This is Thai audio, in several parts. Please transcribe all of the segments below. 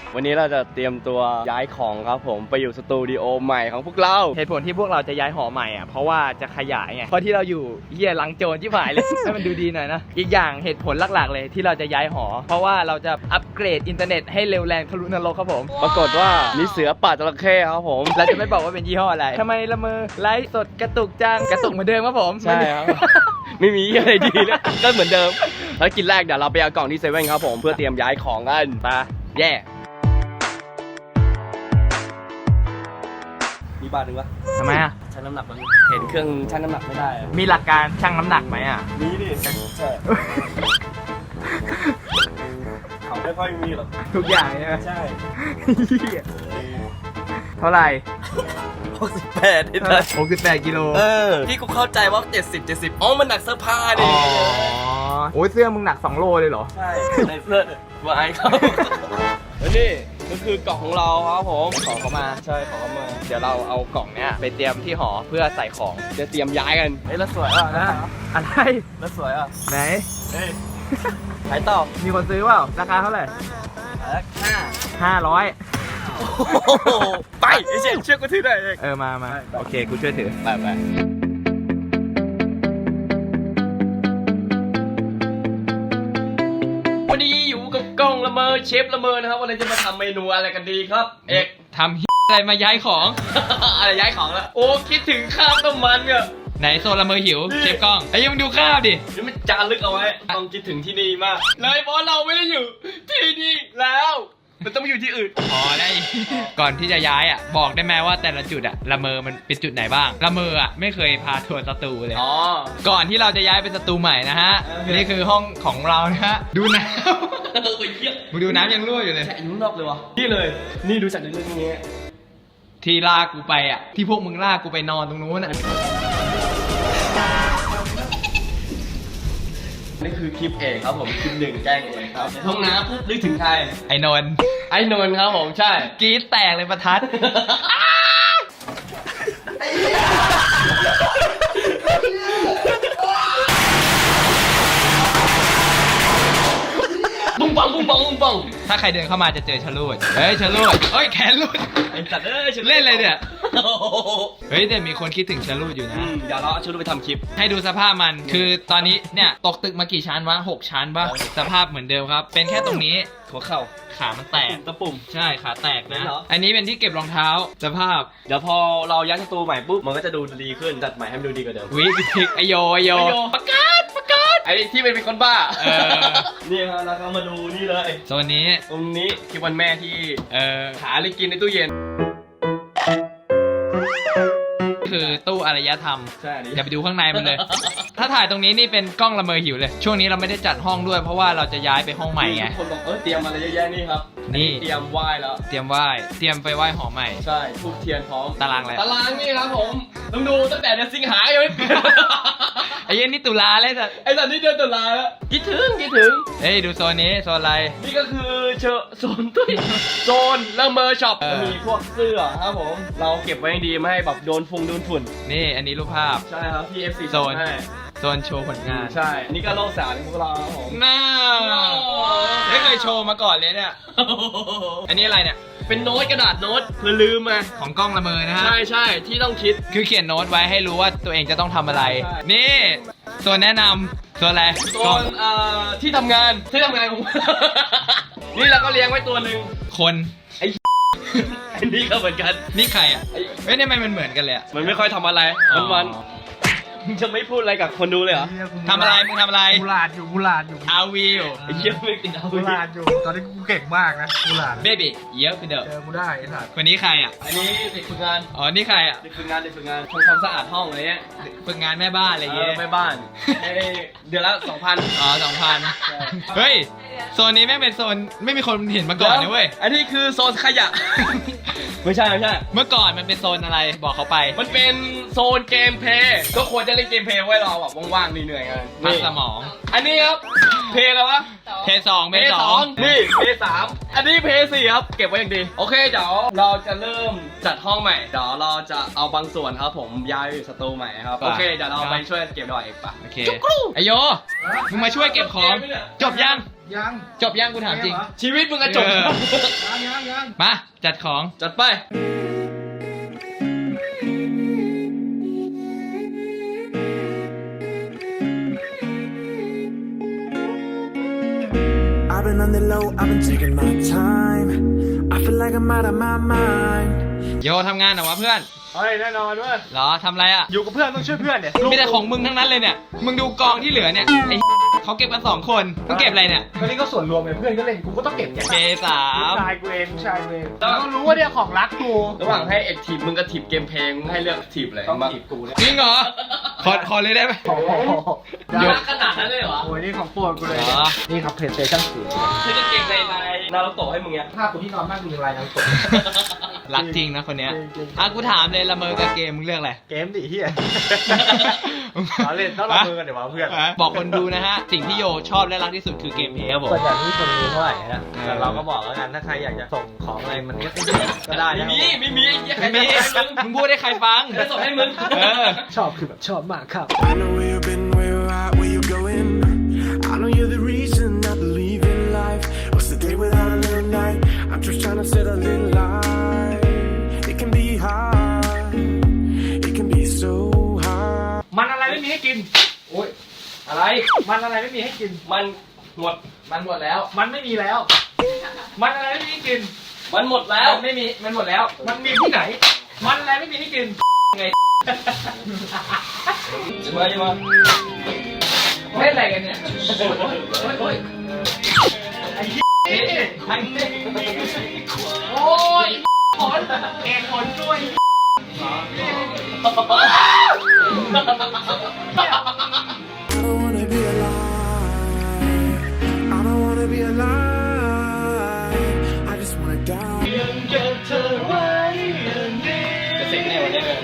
วันนี้เราจะเตรียมตัวย้ายของครับผมไปอยู่สตูดิโอใหม่ของพวกเราเหตุผลที่พวกเราจะย้ายหอใหม่อ่ะเพราะว่าจะขยายไงเพราะที่เราอยู่เหี้ยหลังโจรที่ผ่ายเลย ให้มันดูดีหน่อยนะอีกอย่างเหตุผลหลักๆเลยที่เราจะย้ายหอเพราะว่าเราจะอัปเกรดอินเทอร์เน็ตให้เร็วแรงทะลุนรกครับผมปรากฏว่ามีเสือป่าจระเข้ครับผมเราจะไม่บอกว่าเป็นยี่ห้ออะไรทำไมละเมอไลฟ์สดกระตุกจังกระตุกเหมือนเดิมครับผมใช่ครับ ไม่มีอะไรดีเลยก็เหมือนเดิมภารกิจแรกเดี๋ยวเราไปเอากล่องที่เซเว่นครับผมเพื่อเตรียมย้ายของกันไปแย่มีบาทหนึ่งวะทำไมอ่ะชั่งน้ำหนักมันเห็นเครื่องชั่งน้ำหนักไม่ได้อะมีหลักการชั่งน้ำหนักไหมอ่ะมีดิใช่เขาไม่ค่อยมีหรอกทุกอย่างใช่ไหมใช่เท่าไหร่ 68นี่นะ 68กิโลพี่กูเข้าใจว่า70อ๋อมันหนักเสื้อผ้าดิอ๋อโอ้ยเสื้อมึงหนัก2โลเลยเหรอใช่ในเสื้อวายเขาแล้วนี่ก็คือกล่องของเราครับผมของเขามาใช่ของเขามาเดี๋ยวเราเอากล่องเนี้ยไปเตรียมที่หอเพื่อใส่ของจะเตรียมย้ายกันเฮ้ยแล้วสวยอ่ะนะอะไรแล้วสวยอ่ะไหนเฮ้ยขายต่อมีคนซื้อเปล่าราคาเท่าไหร่ 500 ไปไอ้เชี่ยเชือกกูถือได้เองมาโอเคกูช่วยถือไปวันนี้อยู่กับกล้องละเมอเชฟละเมอนะครับวันนี้จะมาทำเมนูอะไรกันดีครับ เอกทำอะไรมาย้ายของอะไรย้ายของแล้วโอ้คิดถึงข้าวต้มมันเนี่ยไหนโซนละเมอหิวเชฟกล้องไอ้ยังดูข้าวดินี่มันจารึกเอาไว้ต้องคิดถึงที่นี่มากเลยเพราะเราไม่ได้อยู่ที่นี่แล้ว มันต้องไปอยู่ที่อื่นพอได้ ก่อนที่จะย้ายอ่ะบอกได้ไหมว่าแต่ละจุดอ่ะละเมอมันเป็นจุดไหนบ้างละเมออ่ะไม่เคยพาทัวร์สตูเลยอ๋อก่อนที่เราจะย้ายเป็นสตูใหม่นะฮะโอเคนี่คือห้องของเรานะฮะดูน้โอ้ยเยี่ยมำมึงดูน้ำยังรั่วอยู่เลยแฉะอยู่ข้างนอกเลยวะนี่เลย นี่ดูจากในเรื่องนี้ที่ลากกูไปอ่ะที่พวกมึงลากกูไปนอนตรงนู้นอ่ะนี่คือคลิปเอกครับผมคลิปหนึ่งแกล้งเองครับห้องน้ำปุ๊บนึกถึงใครไอ้นนท์ไอ้นนท์ครับผมใช่กรี๊ดแตกเลยประทัดปุ้งปังปุ้งปังปุ้งปังถ้าใครเดินเข้ามาจะเจอชะลูดเฮ้ยชะลูดเฮ้ยแขนลูดไอ้สัตว์ฉัเล่นอะไรเนี่ยโอ้โหเฮ้ยแต่มีคนคิดถึงชะลูดอยู่นะเดี๋ยวเราเอาชุดไปทำคลิปให้ดูสภาพมันคือตอนนี้เนี่ยตกตึกมากี่ชั้นวะ6 ชั้นปะสภาพเหมือนเดิมครับ เป็นแค่ตรงนี้หัวเข่าขามันแตกตะปุ่มใช่ขาแตกนะเหรออันนี้เป็นที่เก็บรองเท้าสภาพเดี๋ยวพอเราย้ายสตูใหม่ปุ๊บมันก็จะดูดีขึ้นจัดใหม่ให้มันดูดีกว่าเดิมวิกไอโยประกาศไอ้ที่เป็นคนบ้าเออนี่ครับแล้วก็มาดูนี่เลยโซนนี้ตรงนี้ที่วันแม่ที่หาหาอะไรกินในตู้เย็นคือตู้อารยธรรมใช่อันนี้อย่าไปดูข้างในมันเลย ถ้าถ่ายตรงนี้นี่เป็นกล้องละเมอหิวเลย ช่วงนี้เราไม่ได้จัดห้องด้วยเพราะว่าเราจะย้ายไปห้องใหม่ไงคนบอกเตรียมอะไรเยอะแยะนี่ครับนี่เตรียมไหว้แล้วเตรียมไปไหว้หอใหม่ใช่ทูบเทียนพร้อมตารางอะไรตารางนี่ครับผมต้องดูตั้งแต่เดือนสิงหายังไม่เปลี่ยนไอ้เย็นนี่ตุลาเลยสัตว์ไอ้ตอนนี้เดือนตุลาแล้วคิดถึงเฮ้ยดูโซนนี้โซนอะไรนี่ก็คือโซนตุ้ยโซนละเมอช็อปเออจะมีพวกเสื้อครับผมเราเก็บไว้ให้ดีไม่ให้แบบโดนฝุ่นนี่อันนี้รูปภาพใช่ครับที่ FC โซนให้โซนโชว์ผลงานใช่อันนี่ก็โลกสารของพวกเราครับผมน่าไม่เคยโชว์มาก่อนเลยเนี่ย อันนี้อะไรเนี่ยเป็นโน้ตกระดาษโน้ตเพื่อลืมมาของกล้องละเมอนะฮะใช่ที่ต้องคิดคือเขียนโน้ตไว้ให้รู้ว่าตัวเองจะต้องทำอะไรใช่นี่โซนแนะนำโซนอะไรโซกล้องนที่ทำงานของ นี่เราก็เลี้ยงไว้ตัวหนึ่งคนอันนี้ก็เหมือนกันนี่ใครอ่ะไอ้เฮ้ยทำไมมันเหมือนกันเลยอ่ะมันไม่ค่อยทำอะไรวันๆมึงจะไม่พูดอะไรกับคนดูเลยเหรอทำอะไรมึงทำอะไรกูหลาดอยู่อาวีอยู่ไอ้เหี้ยไม่ติดเอากูหลาดอยู่ ตอนนี้กูเก่งมากนะกูหลาดเบบี้เยอะไปเด้อเจอกูได้ไอ้สัตว์คนนี้ใครอ่ะอันนี้เด็กฝึกงานอ๋อนี่ใครอ่ะเด็กฝึกงานทำความสะอาดห้องอะไรเงี้ยฝึกงานแม่บ้านอะไรอย่างเงี้ยไปบ้านให้เดือนละ 2,000 อ๋อ2,000เฮ้ยโซนนี้แม่งเป็นโซนไม่มีคนเห็นมาก่อนนะเว้ยอันนี้คือโซนขยะ ไม่ใช่เมื่อก่อนมันเป็นโซนอะไรบอกเขาไปมันเป็นโซนเกมเพลย์ก็ควรจะเล่นเกมเพลย์ไว้รอแบบว่างๆเหนื่อยๆกันพักสมองอันนี้ครับเพลย์อะไรวะเพย์สองเพย์สองนี่เพย์สามอันนี้เพย์สี่ครับเก็บไว้อย่างดีโอเคเดี๋ยวเราจะเริ่มจัดห้องใหม่เดี๋ยวเราจะเอาบางส่วนครับผมย้ายไปอยู่สตูใหม่ครับโอเคเดี๋ยวเราไปช่วยเก็บดอยเอกปะโอเคไอโยมึงมาช่วยเก็บของจบยังยังจบยังกูถามจริงชีวิตมึงกระจกยังมาจัดของจัดไป I've been on the low, I've been taking my time. I feel like I'm out of my mind. โยทำงานเหรอวะเพื่อนเฮ้ยแน่นอนด้วยเหรอทำอะไรอ่ะอยู่กับเพื่อนต้องช่วยเพื่อนเนี่ยมีแต่ของมึงทั้งนั้นเลยเนี่ย มึงดูกองที่เหลือเนี่ยไอ้เขาเก็บกัน2 คนมึงเก็บอะไรเนี่ยก็นี่ก็ส่วนรวมไงเพื่อนก็เล่นกูก็ต้องเก็บ P3 ชายกูเองต้องรู้ว่าเนี่ยของรักกูระหว่างให้เอกทีมมึงกับทีมเกมเพลงมึงให้เลือกทีมอะไรต้องบ้างจีบกูเลยจริงเหรอ ขอเลยได้ไหมรักขนาดนั้นเลยเหรอโอ้ยนี่ของโปรดกูเลยเหรอนี่ครับเพลย์สเตชั่น4 ซื้อกางเกงในลายนารูโตะให้มึงไงผ้ากูที่นอนมากมีลายน้ำตกรักจริงนะคนเนี้ยจริงอ่ะกูถามเลยละเมอกับเกมมึงเลือกอะไรเกมดิเฮีย ล้อเล่นต้องละเมอกันเดี๋ยววะเพื่อนบอกคนดูนะฮะ สิ่งที่โยชอบและรักที่สุดคือเกมเพลย์ครับผมส่วนใหญ่ไม่มีคนรู้เท่าไหร่นะเออแต่เราก็บอกแล้วกันถ้าใครอยากจะส่งของอะไรมันก็ได้นะไม่มีไอ้เหี้ยไม่มีมึงพูดให้ใครฟังจะส่งให้มึงเออชอบคือแบบชอบมากครับ I know where you've been, where you're at, where you going. I know you're the reason I believe in life. What's the day without a little night? I'm just trying to set a little light. It can be hard. It can be so hard. มันอะไรไม่มีให้กินโอ้ยอะไรมันอะไรไม่มีให้กินมันหมดมันหมดแล้วมันไม่มีแล้ว มันอะไรไม่มีให้กินมันหมดแล้วมันไม่มี มันหมดแล้วมันมีที่ไหน มันอะไรไม่มีให้กินจะมาจะมาเล่นอะไรกันเนี่ยโอ้ยเฮ้ยใครเนี่ยโอ้ยขนเอ็นขนด้วย I don't wanna be alive. I don't wanna be alive. I just wanna die. จะเสร็จแน่วันนี้เลย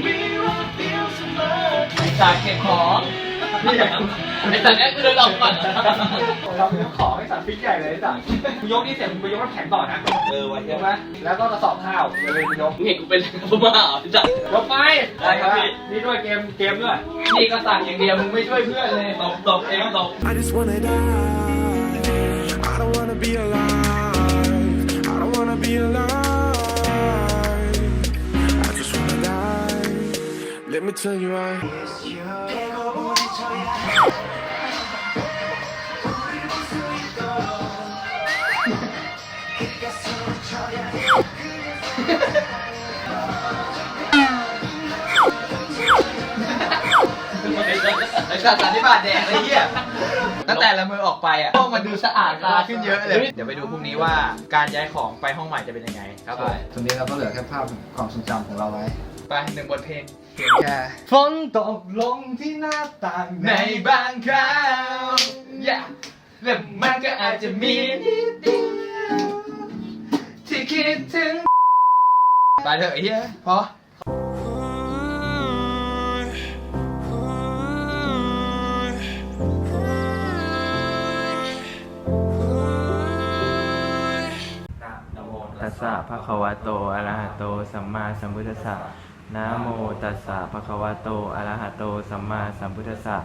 จากเก็บของไอ้สัตว์นี้คือเดินออกก่อนเรายกของให้สัตว์ฟิกใหญ่เลยไอ้สัตว์กูยกนี่เสร็จมึงไปยกน้ำแข็งต่อนะวันใช่ไหมแล้วก็กระสอบข้าวเดี๋ยวเลยไปยกมึงเห็นกูเป็นพม่าเหรอไอ้สัตว์ยกไปได้ครับพี่นี่ด้วยเกมด้วยนี่ก็สั่งอย่างเดียวมึงไม่ช่วยเพื่อนเลยตบเองตบ I just wanna die. I don't wanna be alive. I don't wanna be alive. I just wanna die. Let me tell you why. ไอ้สัตว์สันนิบาตแดงไอ้เหี้ยตั้งแต่ละมือออกไปอ่ะห้องมันดูสะอาดตาขึ้นเยอะเลย เดี๋ยวไปดูพรุ่งนี้ว่าการย้ายของไปห้องใหม่จะเป็นยังไงครับผมตรงนี้เราก็เหลือแค่ภาพความทรงจำของเราไว้ไป1 บทเพลงเพียงแค่ฝนตกลงที่หน้าต่างในบางคราวแล้วมันก็อาจจะมีนิดเดียวที่คิดถึงไปเถอะไอ้เหี้ยพอ ตัสสะภะคะวะโตอะระหะโตสัมมาสัมพุทธัสสะนะโมตัสสะภะคะวะโตอะระหะโตสัมมาสัมพุทธัสสะ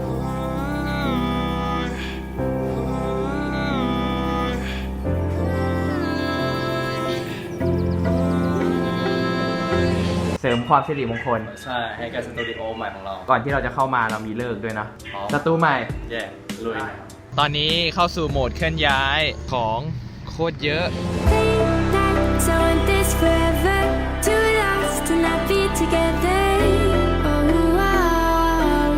เสริมความสิริมงคลใช่ให้กับสตูดิโอใหม่ของเราก่อนที่เราจะเข้ามาเรามีเลิกด้วยนะอ๋อสตูใหม่แย่ลุยตอนนี้เข้าสู่โหมดเคลื่อนย้ายของโคตรเยอะ So I want this forever, too lost to not be together. Oh, wow.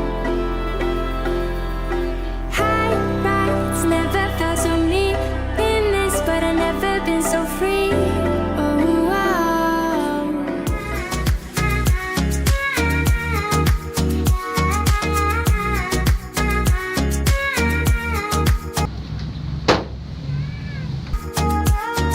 High rise, never felt so neat in this, but I've never been so free. Oh, wow. เ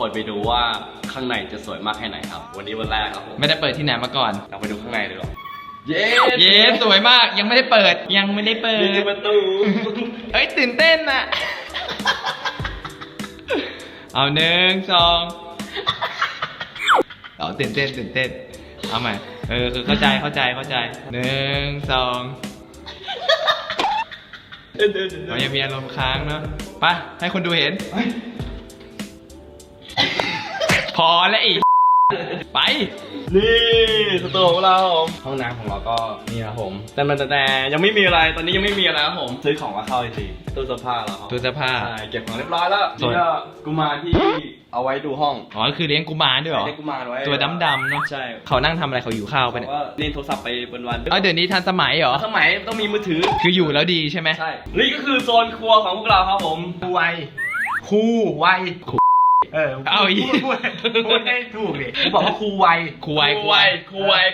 คนไปดูว่าข้างในจะสวยมากแค่ไหนครับ วันนี้วันแรกครับผมไม่ได้เปิดที่ไหนมาก่อนเราไปดูข้างในดีกว่าเย้เย้สวยมากยังไม่ได้เปิดยังไม่ได้เปิดมีประตูเอ้ยตื่นเต้นน่ะ เอา1 2เอาตื่นเต้นเอาใหม่คือเข้าใจ1 2เรายังมีอารมณ์ค้างเนาะไปให้คนดูเห็น พอแล้วอีก ไปนี่สตูของเราห้องน้ำของเราก็นี่ครับผมแต่ยังไม่มีอะไรตอนนี้ยังไม่มีอะไรครับผมซื้อของมาเข้าจริงๆตู้เสื้อผ้าเราครับตู้เสื้อผ้าใช่เก็บของเรียบร้อยแล้วส่วนนี่ก็กุมารที่เอาไว้ดูห้องอ๋อคือเลี้ยงกุมารด้วยเหรอเรียกกุมารไว้ตัวดำๆเนาะใช่เขานั่งทำอะไรเขาอยู่ข้าวไปเนี่ยว่าเล่นโทรศัพท์ไปวันเอ้าเดี๋ยวนี้ทันสมัยเหรอสมัยต้องมีมือถือคืออยู่แล้วดีใช่ไหมใช่นี่ก็คือโซนครัวของพวกเราครับผมครูไวครูไวเอาอีกพูดให้ถูกดิผมบอกว่าครูไวครูไวครูไว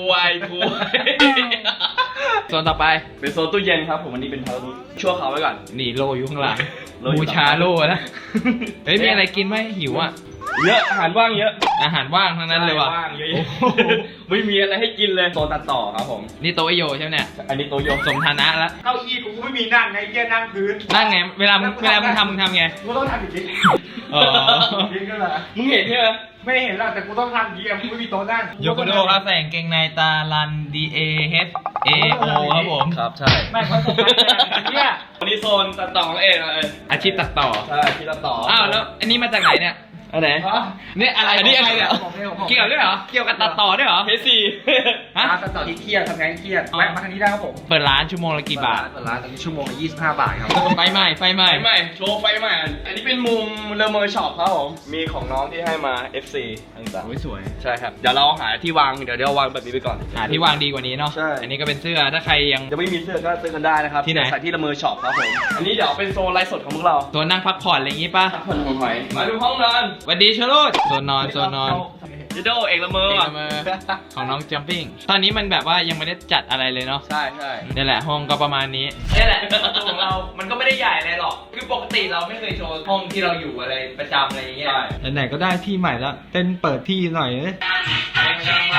โซนต่อไปเป็นโซนตู้เย็นครับผมวันนี้เป็นชั่วคราวไว้ก่อนนี่โลอยู่ข้างหลังโลอยู่บูชาโลนะ เฮ้ยมีอะไรกินไหมหิวอ่ะเยอะอาหารว่างเยอะอาหารว่างทั้งนั้นเลยว่ะว่างเยอะโอ้โหไม่มีอะไรให้กินเลยโซนตัดต่อครับผมนี่โตะไอโยใช่ไหมเนี่ยอันนี้โตโยสมฐานะแล้วเก้าอี้กูไม่มีนั่งไงเยี่ยนั่งพื้นนั่งไง เวลามึงทำไงกูต้องทำอย่างนี้อ๋อยิงก็เลยมึงเห็นใช่ไหมไม่เห็นหรอกแต่กูต้องทำอย่างนี้กูไม่มีโต๊ะนั่งโยโกโดครับใส่กางเกงในตาลัน DAHAO ครับผมครับใช่ไม่เขาส่งมาเนี่ยวันนี้โซนตัดต่อของเองเลยอาชีพตัดต่อใช่ที่ตัดต่ออ้าวแล้วอันนี้มาจากไหนเนี่ยอันไหนเนี่ยอะไรอันนี้อะไรเนี่ยเกี่ยวด้วยเหรอ เกี่ยวกับตัดต่อด้วยเหรอเพซีฮะตัดต่อที่เครียดทำงานเครียดแวะมาทางนี้ได้ครับผมเปิดร้านชั่วโมงละกี่บาทเปิดร้านตอนนี้ชั่วโมงละ25 บาทครับไฟใหม่ไฟใหม่โชว์ไฟใหม่อันนี้เป็นมุมเลอเมอร์ช็อปครับผมมีของน้องที่ให้มา FC ต่างโอ้ยสวยๆใช่ครับเดี๋ยวเราหาที่วางเดี๋ยววางแบบนี้ไปก่อนหาที่วางดีกว่านี้เนาะใช่อันนี้ก็เป็นเสื้อ ถ้าใครยังยังไม่มีเสื้อก็ซื้อกันได้นะครับที่ไหนใส่ที่ละเมอช็อปครับผมอันนี้เดี๋ยวเป็นโซนไลฟ์สดของพวกเราตัวนั่งพักผ่อนอะไรอย่างงี้ป่ะพักผ่อนของหอยมาดูห้องนอนสวัสดีชโลดโซนนอนจิโดเอกละเมอเอกละเมอของน้องจัมปิ้ง ตอนนี้มันแบบว่ายังไม่ได้จัดอะไรเลยเนาะใช่นี่แหละห้องก็ประมาณนี้นี่แหละประตูของเรา มันก็ไม่ได้ใหญ่อะไรหรอก คือปกติเราไม่เคยโชว์ห้องที่เราอยู่อะไรประจำอะไรอย่างเงี้ยไหนๆก็ได้ที่ใหม่แล้วเต้นเปิดที่หน่อยไม่ต้องมา